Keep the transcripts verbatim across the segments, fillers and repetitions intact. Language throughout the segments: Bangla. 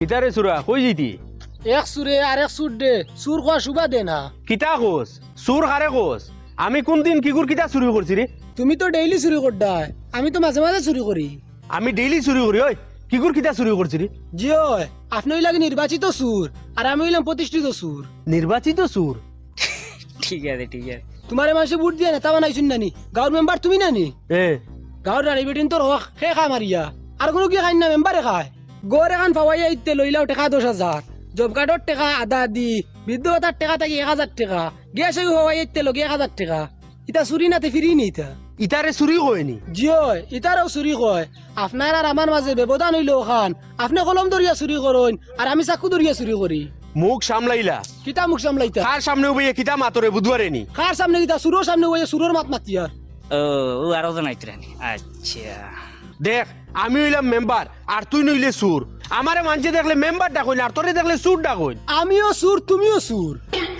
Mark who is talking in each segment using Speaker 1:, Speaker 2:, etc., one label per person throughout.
Speaker 1: কিতারে সুরা কই জিতি
Speaker 2: এক সুরে আর এক সুর দে সুর খোয়া শুবা দে না
Speaker 1: কিতা কোস সুর হারে কোস আমি কোন দিন কিগুর কিতা চুরি করছি রে
Speaker 2: তুমি তো ডেইলি চুরি করডাই আমি তো মাঝে মাঝে চুরি করি
Speaker 1: আমি ডেইলি চুরি করি ওই কিগুর কিতা চুরি করছি রে
Speaker 2: জিও আপনি হইলাগে নির্বাচিত সুর আর আমি হইলাম প্রতিষ্ঠিত সুর
Speaker 1: নির্বাচিত সুর
Speaker 3: ঠিক আছে ঠিক আছে
Speaker 2: তোমারে মাসে বুট দিয়ে নেতা বানাইছুন নানি গাঁর মেম্বার তুমি নানি
Speaker 1: এ
Speaker 2: গাঁর রানী বেটিন তোর হক খে খা মারিয়া আর কোনো কি খাই না মেম্বারে খায় গড় এখন পাওয়াইয়া ইতে লইলাও টেকা দশ হাজার জব কার্ডর টেকা আধা দি বৃদ্ধ ভাতার টেকা থাকি এক হাজার টাকা গ্যাস হওয়াইয়া ইতে লগে এক হাজার টাকা ইটা চুরি নাতে ফিরি নি ইটা
Speaker 1: ইতারে চুরি হয়নি
Speaker 2: জিও ইটারও চুরি কয় আপনার আর আমার মাঝে ব্যবধান হইল খান আপনি কলম দরিয়া চুরি করুন আর আমি চাকু দরিয়া চুরি করি
Speaker 1: মুখ সামলাইলা
Speaker 2: কিতা মুখ সামলাইতা
Speaker 1: কার সামনে বইয়ে কিতা মাতরে বুধবারে নি
Speaker 2: কার সামনে কিতা সুরোর সামনে হইয়া সুরোর মাত মাতিয়া
Speaker 3: ও ও আরো জানাইতরানি আচ্ছা
Speaker 1: দেখ আমি হইলাম মেম্বার আর তুই নইলে সুর আমারে মানছে দেখলে মেম্বার ডাকইন আর তোরে দেখলে সুর ডাকইন
Speaker 2: আমিও সুর তুমিও সুর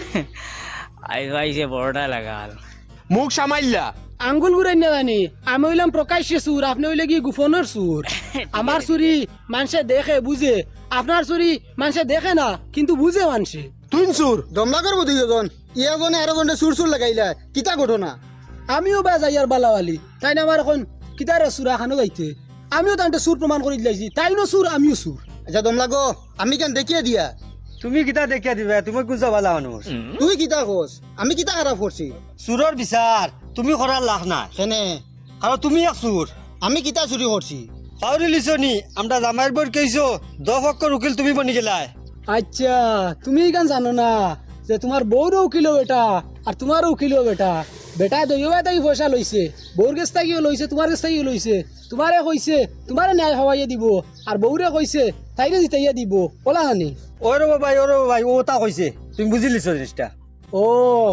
Speaker 3: আই ভাই যে বড়টা লাগাল
Speaker 1: মুখ সামাইলা
Speaker 2: আঙ্গুল ঘুরাই না জানি আমি হইলাম প্রকাশ্যে সুর আপনি হইলে কি গুফনের সুর আমার চুরি মানুষে দেখে বুঝে আপনার চুরি মানুষে দেখে না কিন্তু বুঝে মানুষে
Speaker 1: তুই সুর
Speaker 4: দমলা করবো দুইজন ইয়াজনে আরো জনে সুর সুর লাগাইলা কিতা ঘটনা
Speaker 2: আমিও বা যাই আর বালাওয়ালি তাই না আমার এখন কিতারে সুরা খানো গাইতে আমিও তান্তে সুর প্রমাণ করে দিলাইছি তাইনো সুর আমিও সুর
Speaker 4: আচ্ছা দমলা গো আমি কেন দেখিয়ে দিয়া
Speaker 5: তুমি কিতা দেখিয়া দিবা তুমি গুজা বালা মানুষ
Speaker 4: তুই কিতা কোস আমি কিতা খারাপ করছি
Speaker 5: চুৰৰ বিচাৰ তুমি কৰাৰ লাভ নাই
Speaker 4: কেনে
Speaker 5: আৰু তুমি এক চুৰ
Speaker 4: আমি কিতা চুরি করছি
Speaker 5: পাউরি লিছনি আমরা জামাইৰ বৰ কৈছো দহ অক্ষৰ উকিল তুমি বনি গেলাই
Speaker 2: আচ্ছা তুমি কেন জানো না যে তোমার বউরও উকিল বেটা আর তোমারও উকিল বেটা বেটা দইবা তাই পয়সা লইছে বউর কাছ থেকেও লইছে তোমার কাছ থেকেও লইছে তোমারে কইছে তোমারে ন্যায় হওয়াইয়া দিব আর বউরে কইছে তাইরে জিতাইয়া দিব বলা হানি
Speaker 5: অ ৰ'ব ভাই অ ৰ'ব ভাই ও তা কৈছে তুমি বুজি লিছ জিনিসটা
Speaker 2: ও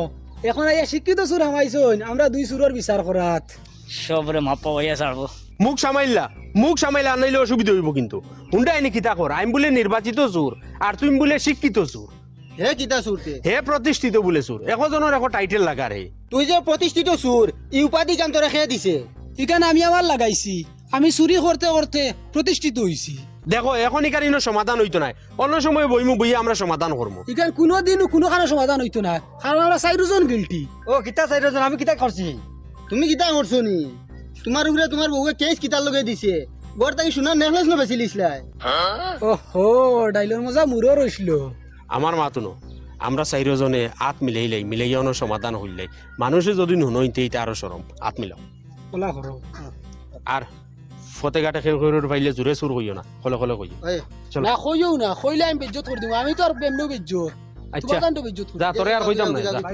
Speaker 2: এখন আইয়া শিক্ষিত সুর হামাইছন আমরা দুই সুরের বিচার করাত
Speaker 3: সবরে মাপা হইয়া ছাড়বো
Speaker 1: মুখ সামাইলা মুখ সামাইলা আনাইলে অসুবিধা হইব কিন্তু হুন্ডা এনে কিতা কর আমি বলে নির্বাচিত সুর আর তুমি বলে শিক্ষিত সুর
Speaker 4: হে কিতা সুরতে
Speaker 1: হে প্রতিষ্ঠিত বলে সুর একজনের এখন টাইটেল লাগা রে
Speaker 4: তুই যে প্রতিষ্ঠিত সুর ই উপাধি কান তোরা খেয়ে দিছে
Speaker 2: এখানে আমি আমার লাগাইছি আমি চুরি করতে করতে প্রতিষ্ঠিত হইছি
Speaker 1: দেখো এখন এখানে সমাধান হইতো না অন্য সময় বইমু বইয়ে আমরা সমাধান করবো
Speaker 2: এখানে কোনোদিনও কোনো কারণে সমাধান হইতো না কারণ আমরা চাইরোজন গিলটি
Speaker 5: ও কিতা চাইৰজন আমি কিতা কৰছি
Speaker 4: তুমি কিতা করছো নি তোমার উপরে তোমার বউকে কেস কিতা লগে দিছে গড় তাই সোনার নেকলেস না বেশি লিসলাই
Speaker 2: ওহো ডাইলর মজা মুরো রইছিল
Speaker 1: আমার মাতুনো আমরা চাইরজনে আত মিলাইলাই মিলাইয়ানো সমাধান হইলাই মানুষে যদি নুনইতে এটা আরো সরম আত মিলাও
Speaker 2: কলা করো
Speaker 1: আর ফতেঘাটে খেল করে পাইলে জোরে সুর হইও না কলে কলে কইও চলো
Speaker 2: না কইও না কইলে আমি বেজ্জত করে দিব আমি তো আর বেমনো বেজ্জত
Speaker 1: আচ্ছা
Speaker 2: তোমার কান্ড বেজ্জত করি
Speaker 1: যা তোরে আর কইতাম না যা।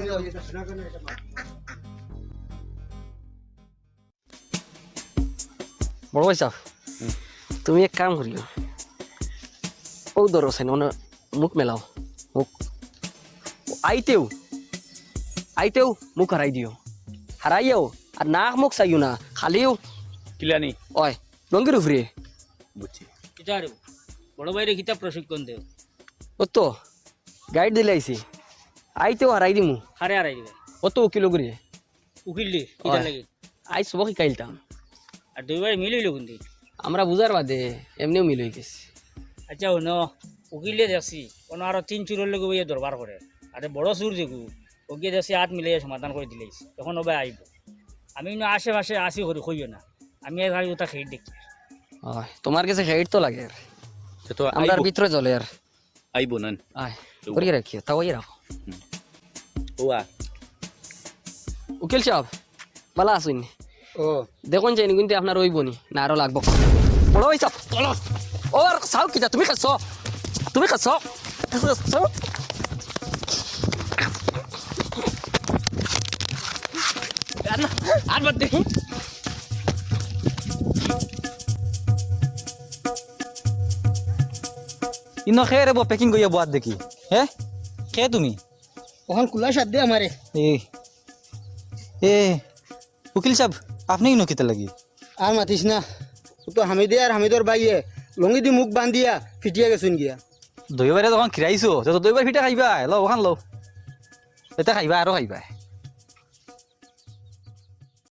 Speaker 6: বড় ভাই সাহেব তুমি এক কাম করিও ও ধরো সেন মানে মুখ মেলাও মুখ আইতেও আইতেও মুখ হারাই দিও হারাইও আর নাক মুখ চাইও না খালিও
Speaker 3: কিলানি
Speaker 6: ওই লঙ্গির উপরে
Speaker 3: বুঝছি কিতা রে বড় ভাইরে কিতা প্রশিক্ষণ দেও
Speaker 6: ও তো গাইড দিলে আইছি আইতেও হারাই দিমু
Speaker 3: হারে হারাই দিবে
Speaker 6: ও তো উকিল করি
Speaker 3: উকিল দি কিতা
Speaker 6: ওই।
Speaker 3: লাগে
Speaker 6: আই সবকে কাইলতাম
Speaker 3: আর দুইবার মিলিল কিন্তু
Speaker 6: আমরা বুঝার বাদে এমনিও মিল হয়ে গেছে
Speaker 3: আচ্ছা হইন উকিলে যাচ্ছি কোনো আরো তিন চুরের লোক বইয়ে দরবার করে আরে বড় চুর যেগু ওকে যাচ্ছি হাত মিলাইয়া সমাধান করে দিলেইছি তখন ওবাই আইব আমি কিন্তু আশেপাশে আসি করি কইও না আমি আর গাড়ি ওটা খেয়ে দেখি
Speaker 6: ওই তোমার কাছে হেড তো লাগে আর
Speaker 7: তো
Speaker 6: আমরা আর ভিতরে চলে আর
Speaker 7: আইব নান
Speaker 6: আয় করিয়ে রাখিও তাও ইয়ে রাখো
Speaker 7: ওয়া
Speaker 6: উকিল সাহেব ভালো আসুন
Speaker 4: ও
Speaker 6: দেখুন চাইনি কিন্তু আপনার ওই বনি না আরো লাগবো বড় ভাই সাহেব চলো ও আর সাউ কি যা তুমি খাচ্ছ তুমি খাচ্ছ আর বাদ দেখি
Speaker 8: ইনো খে রে পেকিং কইয়া বাদ দেখি হে খে তুমি
Speaker 4: ওখান কুলা সাদ দে আমারে
Speaker 8: এ এ উকিল সাহেব আপনি ইনো কিতা লাগি
Speaker 4: আর মাতিস না ও তো হামিদে আর হামিদর বাইয়ে লঙ্গি দি মুখ বান্ধিয়া ফিটিয়া গেছুন গিয়া
Speaker 8: দইবারে যখন খিরাইছো তো দইবার ফিটা খাইবা ল ওখান ল এটা খাইবা আরো খাইবা